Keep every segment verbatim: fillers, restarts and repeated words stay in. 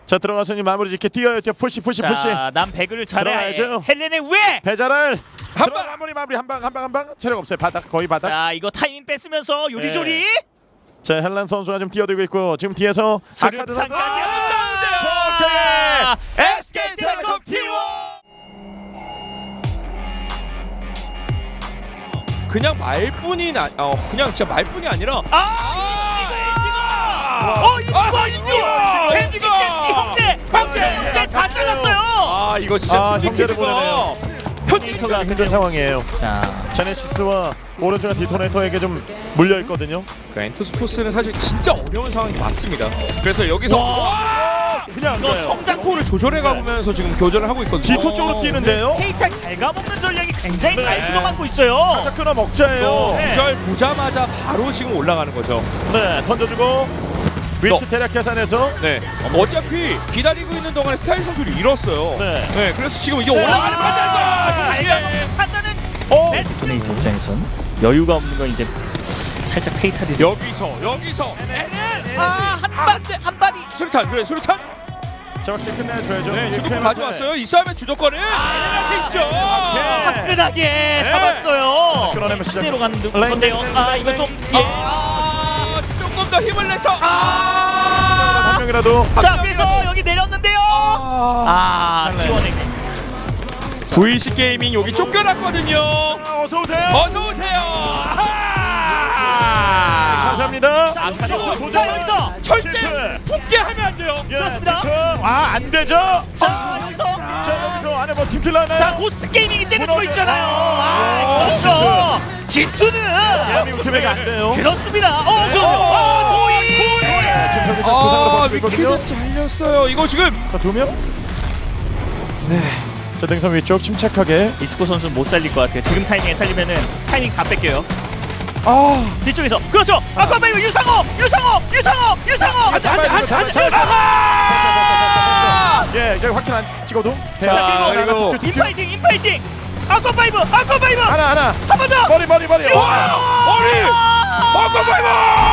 자 들어가서 이제 마무리 짓게 뛰어요. 뛰어 푸시 푸시 푸시. 자, 남 배그를 잘해. 들어가야죠. 헬렌의 왜? 배자를 한 방 마무리 마무리 한 방 한 방 한 방 체력 없어요. 바닥 거의 바닥. 자, 이거 타이밍 뺏으면서 요리조리. 네. 자 헬란 선수가 지금 뛰어들고 있고 지금 뒤에서 아카드 선수 아, 에스케이텔레콤 티원 그냥 말뿐이 나, 어 그냥 진짜 말뿐이 아니라 아, 어, 이거 아, 이거 이거! 젠지 젠지 형제, 형제 형제 다 잘랐어요. 아 이거 진짜 아, 손님 형제를 키드가 보내네요. 디토네이터가 힘든 상황이에요. 자, 제네시스와 오른쪽에 디토네이터에게 좀 물려 있거든요. 그 엔투스포스는 사실 진짜 어려운 상황이 맞습니다. 그래서 여기서 와! 그냥 안 이거 가요. 성장포를 조절해 가면서 지금 교전을 하고 있거든요. 디토 쪽으로 뛰는데요. 페이탈 갉아먹는 전략이 굉장히 잘 네. 들어가고 있어요. 자 끊어 먹자예요. 이거 네. 구절 보자마자 바로 지금 올라가는 거죠. 네 던져주고 위치 너. 대략 계산해서 네. 어차피 기다리고 있는 동안에 스타일 선수를 잃었어요. 네. 네. 그래서 지금 이게 올라가는 판단과 갉아먹는 판단은 어 디토네이터 입장에선 여유가 없는 건 이제 살짝 페이탈이 여기서 여기서 아, 한 발, 한 발이 수류탄 그래 수류탄. 자 확실히 끝내줘야죠. 네. 주도권 가져왔어요. 이 싸움의 주도권은 에레나한테 있죠. 화끈하게 잡았어요. 끊어내면 시작. 그대로 가는 건데요. 아, 이거 좀 예. 아, 조금 더 힘을 내서 한 아. 명이라도 자, 그래서 여기 내렸는데요. 아. 아, 티원에 브이씨 게이밍 여기 쫓겨났거든요. 어서 오세요. 어서 오세요. 아하! 감사합니다. 자, 여기서 자, 여기서 절대 속게 하면 안 돼요. 예, 그렇습니다. 지금. 아, 안 되죠? 자, 여기서 자, 여기서 안에 뭐 팀킬 나나요? 자, 고스트 게이밍이 때려주고 무너져. 있잖아요. 아, 아, 그렇죠. 진투는 대한민국 팀에게 안 돼요. 그렇습니다. 어, 저, 어, 어, 조이. 네, 지금 저기서 부상으로 아, 버티고 있거든요. 위키드 잘렸어요. 이거 지금 자, 두 명? 네. 자, 등선 위쪽 침착하게. 이스코 선수 못 살릴 것 같아요. 지금 타이밍에 살리면은 타이밍 다 뺏겨요. 아, 뒤쪽에서 그렇죠. 아까 이거 유상호, 유상호, 유상호, 유상호. 안돼 안돼 안돼 안돼. 잡았어, 아하! 예, 여기 확인 안 찍어도. 자, 자, 그리고 뒤쪽, 뒤쪽. 인파이팅, 인파이팅. 아까 파이브, 아까 파이브. 하나, 하나. 한 번 더. 머리, 머리, 머리. 와! 머리! 어커파이버!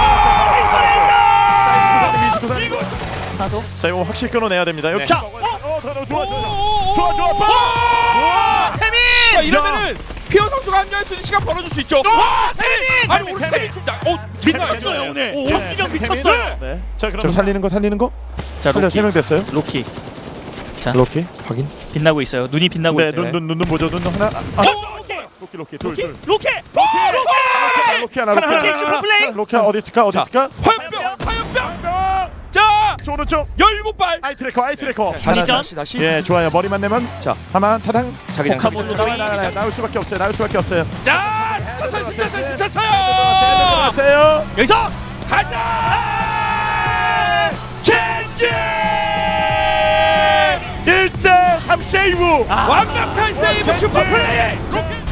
이거. 나도. 자, 이거 확실히 끊어내야 됩니다. 여기. 네. 자, 어, 더, 더, 좋아, 좋아, 좋아, 좋아, 좋아. 와! 태민. 자, 이러면은 피어 선수가 합류할 수 있는 시간 벌어줄 수 있죠. 와, 태민! 아니 오늘 태민 좀 나, 어 미쳤어요 오늘. 네. 오, 네. 기력 태민. 미쳤어요. 네. 자, 그럼 살리는 거, 살리는 거. 자, 살려 로키. 세 명 됐어요. 로키. 자, 로키 확인. 빛나고 있어요. 눈이 빛나고 네, 있어요. 눈, 눈, 눈, 눈 보죠. 눈 하나. 아, 어, 로키. 로키, 로키, 둘, 로키. 둘. 로키. 로키, 로키 하나, 로키 하나, 하나. 로키 슈퍼플레이. 로키 어디 있을까? 어디 있을까? 화염병, 화염병. 자, 저 오른쪽. 열일곱 발. 아이 트래커, 아이 트래커. 다시 심리전? 다시 다시. 예, 좋아요. 머리만 내면 자, 하만 타당. 자기장 포카몬도 나와, 나와, 나와, 나와, 나올 수밖에 없어요. 나올 수밖에 없어요. 자, 스쳤어요, 스쳤어요, 스쳤어요. 세요. 여기서 가자. 젠지! 일 대 삼 세이브. 아. 완벽한 세이브 슈퍼플레이. 로켓